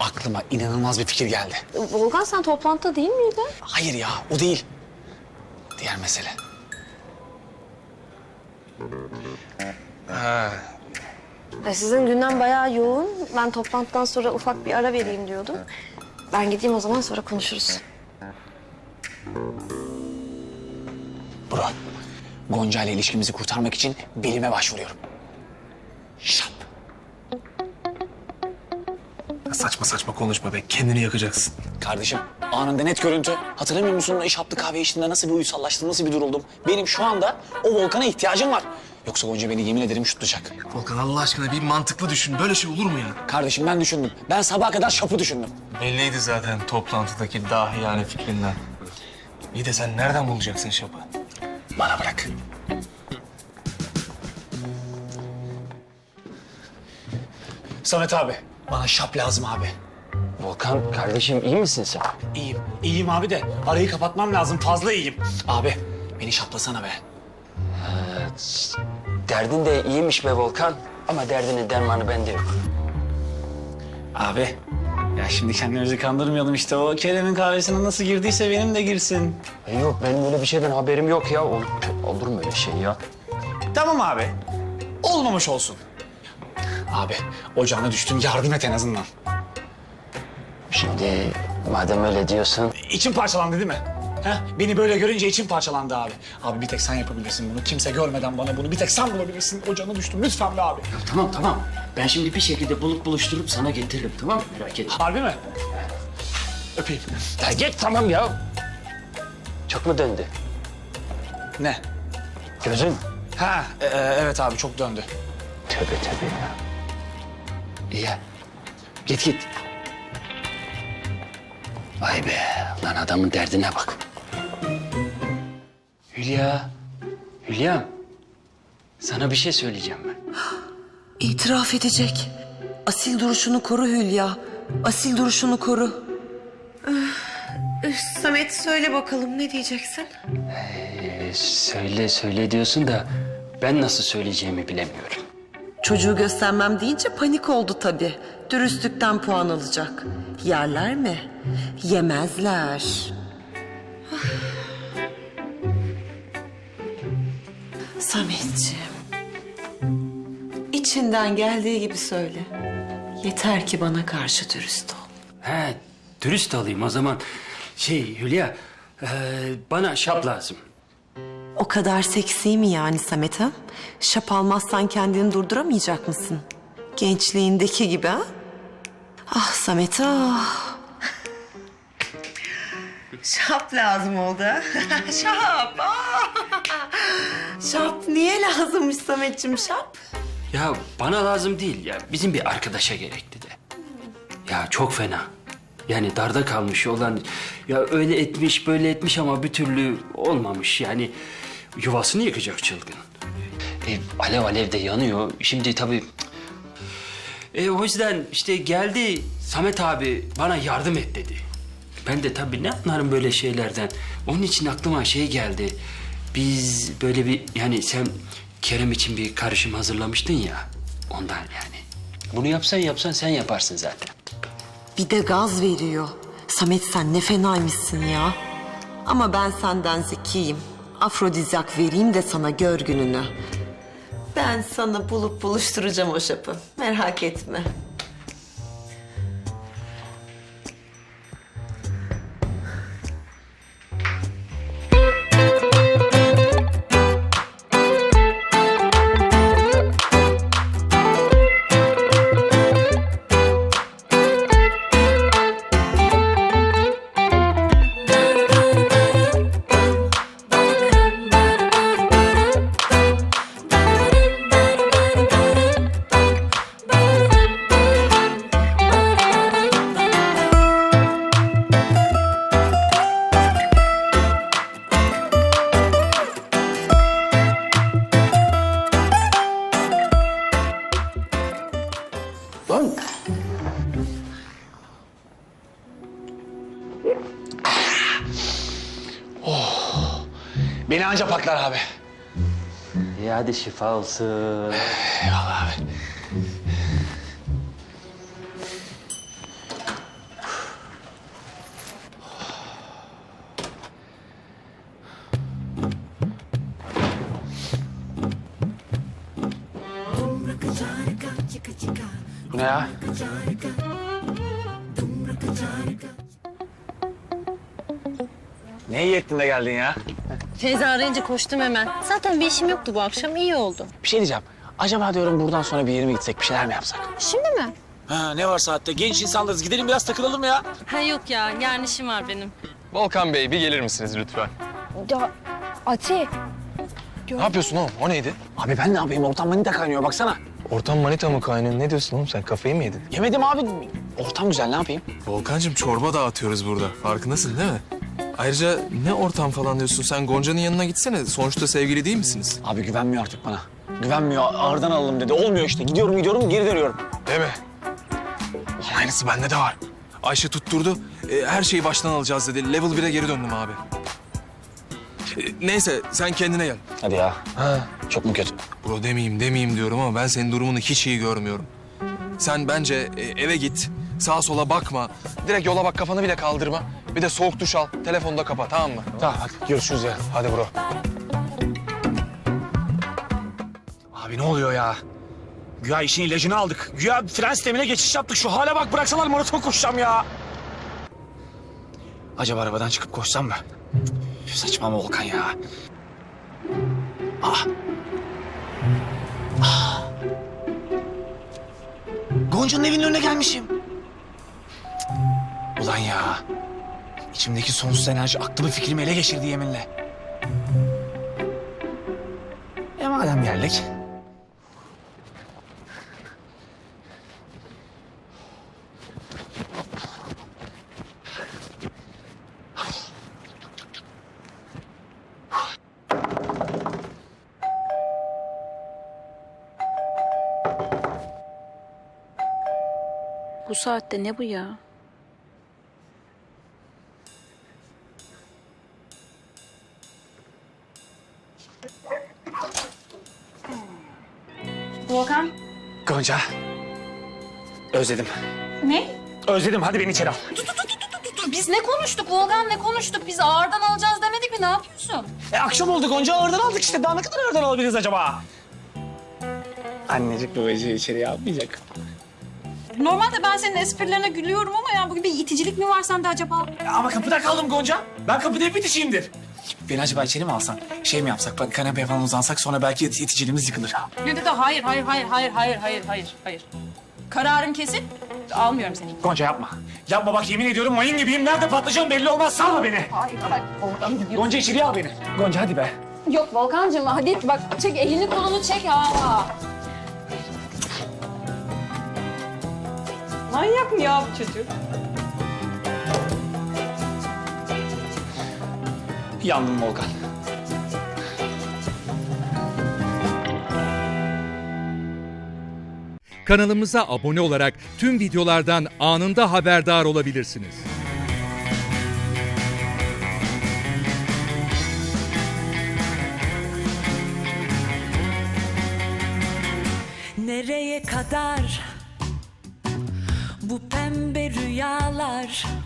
aklıma inanılmaz bir fikir geldi. Volkan sen toplantıda değil miydin? Hayır ya, o değil. Diğer mesele. Sizin gündem bayağı yoğun. Ben toplantıdan sonra ufak bir ara vereyim diyordum. Ben gideyim o zaman, sonra konuşuruz. Bro, Gonca ile ilişkimizi kurtarmak için bilime başvuruyorum. Şap. Saçma saçma konuşma be. Kendini yakacaksın. Kardeşim, anında net görüntü. Hatırlamıyor musun? İş yaptı kahve içtiğinde nasıl bir uysallaştım, nasıl bir duruldum? Benim şu anda o Volkan'a ihtiyacım var. Yoksa Gonca beni yemin ederim şutlayacak. Volkan Allah aşkına bir mantıklı düşün. Böyle şey olur mu ya? Kardeşim ben düşündüm. Ben sabaha kadar şapı düşündüm. Belliydi zaten toplantıdaki dahiyane fikrinden. İyi de sen nereden bulacaksın şapı? Bana bırak. Samet abi, bana şap lazım abi. Volkan kardeşim iyi misin sen? İyiyim, iyiyim abi de arayı kapatmam lazım. Fazla iyiyim. Abi, beni şaplasana be. Derdin de iyiymiş be Volkan. Ama derdinin dermanı bende yok. Abi, ya şimdi kendimizi kandırmayalım işte. O Kerem'in kahvesine nasıl girdiyse benim de girsin. Yok benim öyle bir şeyden haberim yok ya. Olur mu öyle şey ya? Tamam abi, olmamış olsun. Abi, ocağına düştüm, yardım et en azından. Şimdi madem öyle diyorsun. İçim parçalandı değil mi? Heh, beni böyle görünce içim parçalandı abi. Abi bir tek sen yapabilirsin bunu. Kimse görmeden bana bunu bir tek sen bulabilirsin. Ocağına düştüm lütfen be abi. Tamam. Ben şimdi bir şekilde buluşturup sana getiririm tamam mı? Merak etme. Harbi mi? Öpeyim. Ya git tamam ya. Çok mu döndü? Ne? Gözün. Ha, evet abi çok döndü. Tövbe ya. İyi ya. Git. Vay be lan adamın derdine bak. Hülya. Sana bir şey söyleyeceğim ben. İtiraf edecek. Asil duruşunu koru Hülya. Asil duruşunu koru. Samet söyle bakalım ne diyeceksin? Söyle diyorsun da ben nasıl söyleyeceğimi bilemiyorum. Çocuğu göstermem deyince panik oldu tabii. Dürüstlükten puan alacak. Yerler mi? Yemezler. Sametciğim. İçinden geldiği gibi söyle. Yeter ki bana karşı dürüst ol. He, dürüst olayım o zaman. Hülya, bana şap lazım. O kadar seksi mi yani Samet ha? Şap almazsan kendini durduramayacak mısın? Gençliğindeki gibi ha? Ah Samet ah. Şap lazım oldu ha? Şap. Ah. Şap niye lazımmış Sametciğim şap? Ya bana lazım değil ya. Bizim bir arkadaşa gerekti de. Ya çok fena. Yani darda kalmış olan... Ya öyle etmiş böyle etmiş ama bir türlü olmamış. Yani yuvasını yıkacak çılgın. Alev de yanıyor. Şimdi tabii... o yüzden işte geldi Samet abi bana yardım et dedi. Ben de tabii ne anlarım böyle şeylerden. Onun için aklıma geldi. Biz böyle bir yani sen Kerem için bir karışım hazırlamıştın ya. Ondan yani. Bunu yapsan sen yaparsın zaten. Bir de gaz veriyor. Samet sen ne fenaymışsın ya. Ama ben senden zekiyim. Afrodizyak vereyim de sana gör gününü. Ben sana bulup buluşturacağım o şapı. Merak etme. Lan Beni anca paklar abi. iyi hadi şifa olsun. Eyvallah abi. Ne ya? Ne iyi ettin de geldin ya? Feyza arayınca koştum hemen. Zaten bir işim yoktu bu akşam, iyi oldu. Bir şey diyeceğim. Acaba diyorum buradan sonra bir yere mi gitsek, bir şeyler mi yapsak? Şimdi mi? Ha, ne var saatte? Genç insanlarız. Gidelim biraz takılalım ya. Ha yok ya, yarın işim var benim. Volkan Bey bir gelir misiniz lütfen? Ya Ati. Ne yapıyorsun oğlum? O neydi? Abi ben ne yapayım? Ortam manita kaynıyor baksana. Ortam manita mı kaynıyor? Ne diyorsun oğlum sen? Kafayı mı yedin? Yemedim abi. Ortam güzel, ne yapayım? Volkancığım çorba dağıtıyoruz burada. Farkındasın değil mi? Ayrıca ne ortam falan diyorsun? Sen Gonca'nın yanına gitsene. Sonuçta sevgili değil misiniz? Abi güvenmiyor artık bana. Güvenmiyor. Ağırdan alalım dedi. Olmuyor işte. Gidiyorum, geri dönüyorum. Değil mi? Ulan aynısı bende de var. Ayşe tutturdu. Her şeyi baştan alacağız dedi. Level 1'e geri döndüm abi. Neyse sen kendine gel. Hadi ya. Ha. Çok mu kötü? Bro demeyeyim diyorum ama ben senin durumunu hiç iyi görmüyorum. Sen bence eve git. Sağa sola bakma. Direkt yola bak, kafanı bile kaldırma. Bir de soğuk duş al. Telefonu da kapa, tamam mı? Tamam hadi görüşürüz ya. Hadi bro. Abi ne oluyor ya? Güya işin ilacını aldık. Güya fren sistemine geçiş yaptık. Şu hale bak, bıraksalar maraton koşacağım ya. Acaba arabadan çıkıp koşsam mı? Üf, saçma mı Volkan ya? Ah. Ah. Gonca'nın evinin önüne gelmişim. Ulan ya. İçimdeki sonsuz enerji aklımı fikrimi ele geçirdi yeminle. Madem geldik. Bu saatte ne bu ya? Volkan. Gonca. Özledim. Ne? Özledim. Hadi beni içeri al. Biz ne konuştuk Volkan, ne konuştuk? Biz ağırdan alacağız demedik mi? Ne yapıyorsun? Akşam oldu Gonca. Ağırdan aldık işte. Daha ne kadar ağırdan alabiliriz acaba? Annecik babacığı içeriye almayacak. Normalde ben senin esprilerine gülüyorum ama ya bugün bir iticilik mi var sende acaba? Ama kapıda kaldım Gonca. Ben kapıda hep bitişiyimdir. Beni acaba içeri mi alsan? Şey mi yapsak? Bak kanepeye falan uzansak sonra belki iticiliğimiz yıkılır. Ne dedi? Hayır. Kararın kesin. Almıyorum seni. Gonca yapma. Yapma bak, yemin ediyorum mayın gibiyim. Nerede patlayacağım belli olmaz. Salma beni. Hayır. Gonca içeriye al beni. Gonca hadi be. Yok Volkancığım hadi bak çek elini kolunu çek ha. Manyak mı ya bu çocuk? Yandım Volkan. Kanalımıza abone olarak tüm videolardan anında haberdar olabilirsiniz. Nereye kadar bu pembe rüyalar?